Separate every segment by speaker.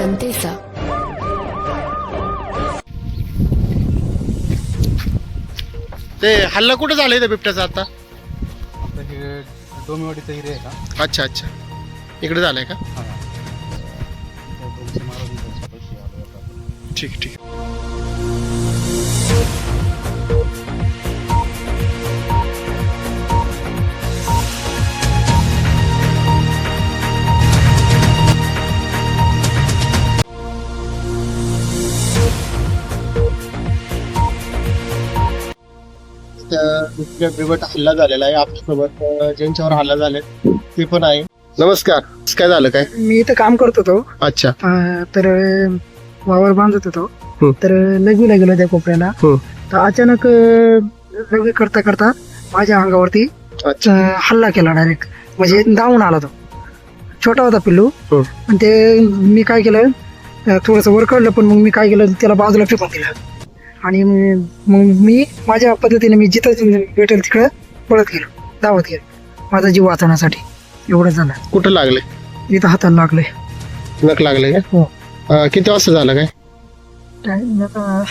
Speaker 1: जनतेचा.
Speaker 2: ते हल्ला कुठे झालाय त्या बिबट्याचा आता?
Speaker 3: आपलं हे डोंबिवलीचं एरिया आहे का?
Speaker 2: अच्छा अच्छा, इकडे झालाय का?
Speaker 3: हां. डोंबिवली महाराजांच्या पैसे आले आता.
Speaker 2: ठीक ठीक. दुसऱ्या बिबट हल्ला झालेला आहे आपल्यासोबत. ज्यांच्यावर हल्ला झाले ते पण आहे. नमस्कार, काय झालं काय?
Speaker 4: मी इथं काम करत होतो.
Speaker 2: अच्छा.
Speaker 4: तर वावर बांधत होतो. तर लघवीला गेलो त्या कोपऱ्याला.
Speaker 2: हम्म.
Speaker 4: तर अचानक लघवी करता करता माझ्या अंगावरती
Speaker 2: अच्छा.
Speaker 4: हल्ला केला डायरेक्ट. म्हणजे धावून आला तो. छोटा होता पिल्लू. पण ते मी काय केलं, थोडस वर काढलं, पण मग मी काय केलं, त्याला बाजूला फेकून दिलं. आणि मग मी माझ्या पद्धतीने मी जिथं भेटेल तिकडं पळत गेलो, धावत गेलो माझा जीव वाचवण्यासाठी. एवढं झालं.
Speaker 2: कुठं लागले?
Speaker 4: इथं हाताला लागले.
Speaker 2: नख लागले का?
Speaker 4: हो.
Speaker 2: किती वाजता झालं काय?
Speaker 4: टाइम आता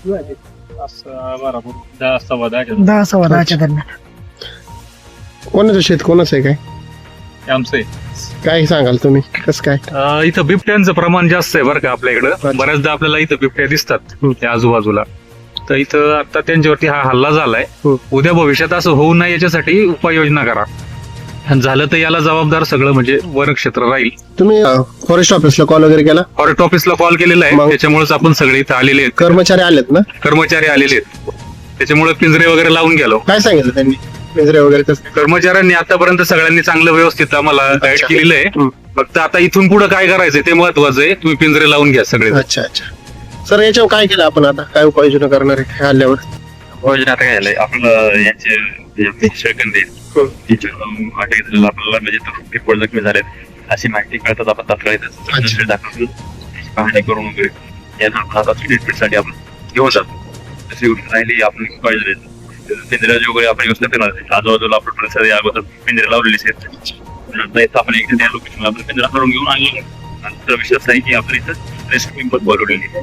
Speaker 4: 10-10:15 दरम्यान.
Speaker 2: कोणाचं शेत कोणाचं आहे काय?
Speaker 5: आमचं
Speaker 2: काय सांगाल तुम्ही, कसं काय?
Speaker 5: इथं बिबट्यांचं प्रमाण जास्त आहे बरं का आपल्या इकडं. बऱ्याचदा आपल्याला इथं बिबट्या दिसतात त्या आजूबाजूला. तर इथं आता त्यांच्यावरती हा हल्ला झालाय. उद्या भविष्यात असं होऊ नये याच्यासाठी उपाययोजना करा. आणि झालं तर याला जबाबदार सगळं म्हणजे वन क्षेत्र राहील.
Speaker 2: तुम्ही फॉरेस्ट ऑफिसला कॉल वगैरे केला?
Speaker 5: फॉरेस्ट ऑफिसला कॉल केलेला आहे.
Speaker 2: मग?
Speaker 5: त्याच्यामुळेच आपण सगळे इथं आलेले आहेत.
Speaker 2: कर्मचारी आलेत ना?
Speaker 5: कर्मचारी आलेले आहेत. त्याच्यामुळे पिंजरे वगैरे लावून गेलो.
Speaker 2: काय सांगितलं त्यांनी? पिंजरे वगैरे कसं?
Speaker 5: कर्मचाऱ्यांनी आतापर्यंत सगळ्यांनी चांगलं व्यवस्थित आम्हाला गाईड केलेलं आहे. फक्त आता इथून पुढे काय करायचंय ते महत्वाचं आहे. तुम्ही पिंजरे लावून घ्या सगळे.
Speaker 2: अच्छा अच्छा. सर, याच्यावर काय केलं आपण आता? काय उपाययोजना करणार आहे हल्ल्यावर?
Speaker 6: योजना आता काय झालंय आपलं यांचे शेळकंदे आपल्याला म्हणजे रिपोर्ट जखमी झाले अशी माहिती कळतात आपण तात्काळ दाखल पाहणी करून वगैरे यांना ट्रीटमेंटसाठी आपण घेऊन जातो. तशी गोष्ट राहिली आपण पाहिजे पिंजऱ्याची वगैरे आपण व्यवस्था करणार आहे. आजूबाजूला आपण परिसर अगोदर पिंजरे लावलेली आहेत. नंतर इथं आपण एकदा त्या लोकेशनला आपण पिंजरा करून घेऊन आणलेलो. नंतर विश्वास आहे की आपण इथं रेस्क्यू पण बोलवलेली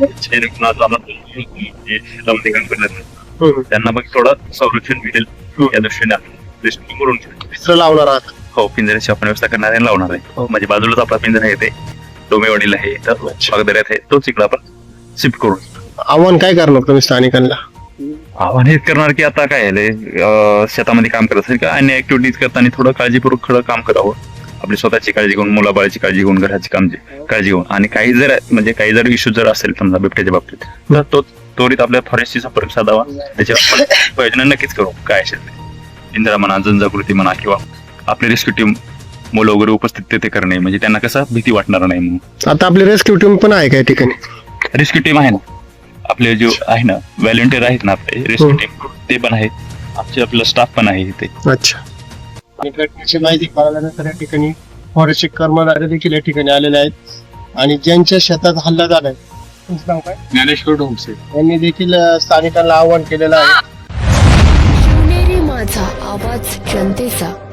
Speaker 6: त्यांना मग थोडं संरक्षण मिळेल या दृष्टीने रेस्क्यू करून
Speaker 2: पिंजरं लावणार आहात?
Speaker 6: हो, पिंजऱ्याची आपण व्यवस्था करणार आहे, लावणार आहे. म्हणजे बाजूलाच आपला पिंजरा आहे, ते डोंबिवलीला आहे, तर बागदऱ्यात आहे, तोच इकडे आपण शिफ्ट करू.
Speaker 2: आव्हान काय करणार तुम्ही स्थानिकांना?
Speaker 6: आव्हान हेच करणार की आता काय आहे, शेतामध्ये काम करत असेल किंवा अन्य ऍक्टिव्हिटीज करताना थोडं काळजीपूर्वक खरं काम करावं. आपली स्वतःची काळजी घेऊन, मुलाबाळाची काळजी घेऊन, घराची काळजी घेऊन. आणि काही जर इश्यू जर असेल समजा बिबट्याच्या बाबतीत, तर तो त्वरित आपल्या फॉरेस्टशी संपर्क साधावा. त्याच्यावर उपाययोजना नक्कीच करू. काय असेल इंदिरा म्हणा, जनजागृती म्हणा, किंवा आपली रेस्क्यू टीम मुलं वगैरे उपस्थित ते करणे, म्हणजे त्यांना कसं भीती वाटणार नाही म्हणून.
Speaker 2: आता आपली रेस्क्यू टीम पण आहे काय ठिकाणी?
Speaker 6: रेस्क्यू टीम आहे ना, आपले जे आहे ना व्हॉलंटियर आहेत ना आपले रेस्क्यू टीम, ते पण आहेत. आपला स्टाफ पण आहे इथे.
Speaker 2: अच्छा. घटनेची माहिती कळाल्यानंतर या ठिकाणी फॉरेस्टचे कर्मचारी देखील या ठिकाणी आलेले आहेत. आणि ज्यांच्या शेतात हल्ला झालाय तुमचं नाव काय?
Speaker 3: ज्ञानेश्वर ढोंगसे.
Speaker 2: यांनी देखील स्थानिकांना आवाहन केलेलं आहे.
Speaker 1: शिवनेरी माझा आवाज जनतेचा.